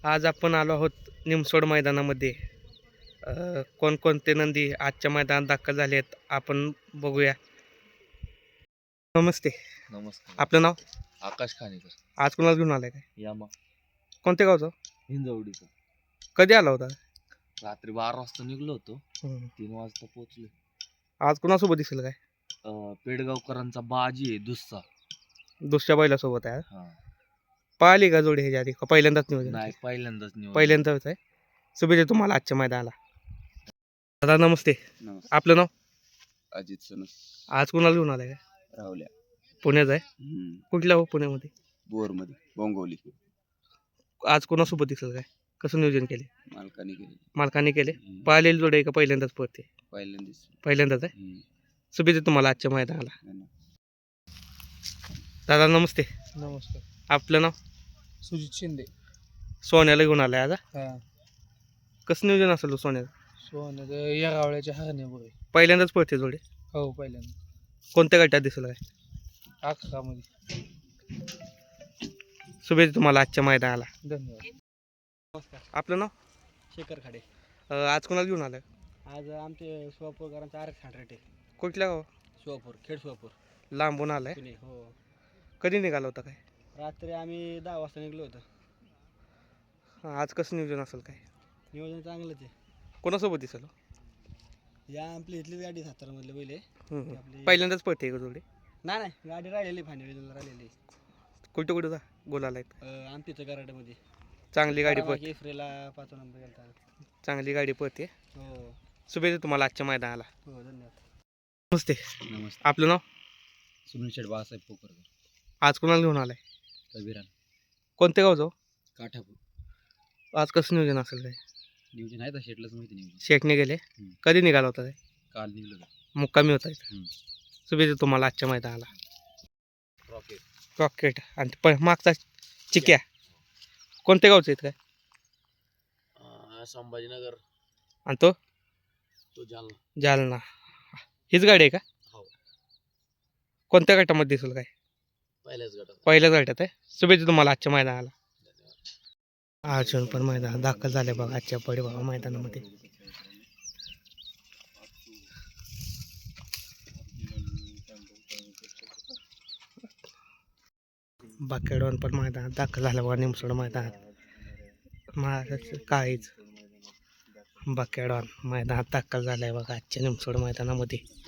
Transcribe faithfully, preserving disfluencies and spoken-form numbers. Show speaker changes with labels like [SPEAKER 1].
[SPEAKER 1] आज आपण आलो आहोत निमसोड मैदानामध्ये. अ, कोणकोणते नंदी आजच्या मैदानात दाखल झाले आहेत आपण बघूया. नमस्ते,
[SPEAKER 2] नमस्कार.
[SPEAKER 1] आपलं नाव?
[SPEAKER 2] आकाश खानेकर.
[SPEAKER 1] आज कोणाला घेऊन आलाय काय?
[SPEAKER 2] यामा
[SPEAKER 1] कोणत्या गावचं?
[SPEAKER 2] हिंजवडीचं.
[SPEAKER 1] कधी आला होता?
[SPEAKER 2] रात्री बारा वाजता निघलो होतो,
[SPEAKER 1] हम्म.
[SPEAKER 2] तीन वाजता पोहोचलो.
[SPEAKER 1] आज कोणासोबत दिसेल काय?
[SPEAKER 2] अं, पेडगावकरांचा बाजी आहे दुसरा.
[SPEAKER 1] दुसऱ्या बैलासोबत आहे.
[SPEAKER 2] हा
[SPEAKER 1] पाहिली का जोडी ह्याच्या आधी का पहिल्यांदाच नियोजन?
[SPEAKER 2] नाही, पहिल्यांदाच निवड.
[SPEAKER 1] पहिल्यांदाच आहे. शुभेच्छा तुम्हाला आजच्या मैदानाला. दादा नमस्ते,
[SPEAKER 2] नमस्कार.
[SPEAKER 1] आपलं नाव?
[SPEAKER 2] अजित सनस.
[SPEAKER 1] आज कोणाला घेऊन आलाय काय?
[SPEAKER 2] राहुल्या.
[SPEAKER 1] पुण्यात आहे. कुठल्या हो पुण्यामध्ये?
[SPEAKER 2] बोर मध्ये बोंगवली.
[SPEAKER 1] आज कोणासोबत दिसेल काय? कसं नियोजन केले?
[SPEAKER 2] मालकाने केली.
[SPEAKER 1] मालकाने केले. पाहिलेली जोडी आहे का पहिल्यांदाच पडते?
[SPEAKER 2] पहिल्यांदाच.
[SPEAKER 1] पहिल्यांदाच आहे. शुभेच्छा तुम्हाला आजच्या मैदानाला. दादा नमस्ते,
[SPEAKER 3] नमस्कार.
[SPEAKER 1] आपलं नाव?
[SPEAKER 3] सुजित शिंदे.
[SPEAKER 1] सोन्याला घेऊन आलाय आज?
[SPEAKER 3] हा.
[SPEAKER 1] कसं नियोजन असेल हो सोन्याचं?
[SPEAKER 3] सोनं या गावळ्याच्या हरण्या बघे.
[SPEAKER 1] पहिल्यांदाच पडते जोडी?
[SPEAKER 3] हो, पहिल्यांदा.
[SPEAKER 1] कोणत्या गटात दिसेल काय?
[SPEAKER 3] अकरामध्ये.
[SPEAKER 1] शुभेच्छा तुम्हाला आजच्या मैदानाला.
[SPEAKER 3] धन्यवाद.
[SPEAKER 1] नमस्कार, आपलं नाव?
[SPEAKER 3] शेखर खाडे.
[SPEAKER 1] अ, आज कोणाला घेऊन आलाय?
[SPEAKER 3] आज आमचे सोलापूरकरांचा आर एक्स हंड्रेड आहे.
[SPEAKER 1] कुठल्या गाव?
[SPEAKER 3] सोलापूर, खेड सोलापूर.
[SPEAKER 1] लांबून आलाय.
[SPEAKER 3] पुणे. हो.
[SPEAKER 1] कधी निघाला होता काय?
[SPEAKER 3] रात्री आम्ही दहा वाजता निघलो होतो.
[SPEAKER 1] आज कसं नियोजन असेल काय?
[SPEAKER 3] नियोजन चांगलंच आहे.
[SPEAKER 1] कोणासोबत दिसेल हो?
[SPEAKER 3] या आपली इथली गाडी सातारामधले पहिले.
[SPEAKER 1] हम्म.
[SPEAKER 3] आपली
[SPEAKER 1] पहिल्यांदाच पडते का जोडी?
[SPEAKER 3] नाही नाही गाडी राहिलेली फायनल राहिलेली.
[SPEAKER 1] कुठं कुठं जा गोलाला आहेत?
[SPEAKER 3] अं, आमच्या इथं कराड्यामध्ये.
[SPEAKER 1] चांगली गाडी पडते.
[SPEAKER 3] एफ्रेला पाच नंबर गेलता.
[SPEAKER 1] चांगली गाडी पडते.
[SPEAKER 3] हो.
[SPEAKER 1] शुभेच्छा तुम्हाला आजच्या मैदानाला.
[SPEAKER 3] हो, धन्यवाद.
[SPEAKER 1] नमस्ते,
[SPEAKER 2] नमस्कार.
[SPEAKER 1] आपलं नाव?
[SPEAKER 2] सुनील शेठ बाळासाहेब पोकरकर.
[SPEAKER 1] आज कोणाला घेऊन आलाय?
[SPEAKER 2] कबीरान.
[SPEAKER 1] कोणत्या गावचं?
[SPEAKER 2] काठापूर.
[SPEAKER 1] आज कसं नियोजन असेल काय?
[SPEAKER 2] नियोजन आहे तर शेटलाच माहिती नियोजन.
[SPEAKER 1] शेटने गेले.
[SPEAKER 2] हम्म.
[SPEAKER 1] कधी निघाला होता काय?
[SPEAKER 2] काल निघलो.
[SPEAKER 1] मुक्कामी होता इथं.
[SPEAKER 2] हम्म.
[SPEAKER 1] शुभेच्छा तुम्हाला आजच्या मैदानाला.
[SPEAKER 2] रॉकेट.
[SPEAKER 1] रॉकेट आणि प मागचा चिक्या कोणत्या गावचं आहेत काय?
[SPEAKER 2] संभाजीनगर.
[SPEAKER 1] आणि तो?
[SPEAKER 2] तो जालना.
[SPEAKER 1] जालना. हीच गाडी आहे का?
[SPEAKER 2] हो.
[SPEAKER 1] कोणत्या गटामध्ये दिसेल काय?
[SPEAKER 2] पहिल्याच गटात.
[SPEAKER 1] पहिल्याच गटात आहे. शुभेच्छा तुम्हाला आजच्या मैदानाला. अर्जुन पण मैदानात दाखल झाले बघा आजच्या पडेबाबा मैदानामध्ये. बाकेडॉन पण मैदानात दाखल झालं बघा निमसोड मैदानात. महाराष्ट्राचं काहीच बाकेडॉन मैदानात दाखल झालंय बघा आजच्या निमसोड मैदानामध्ये.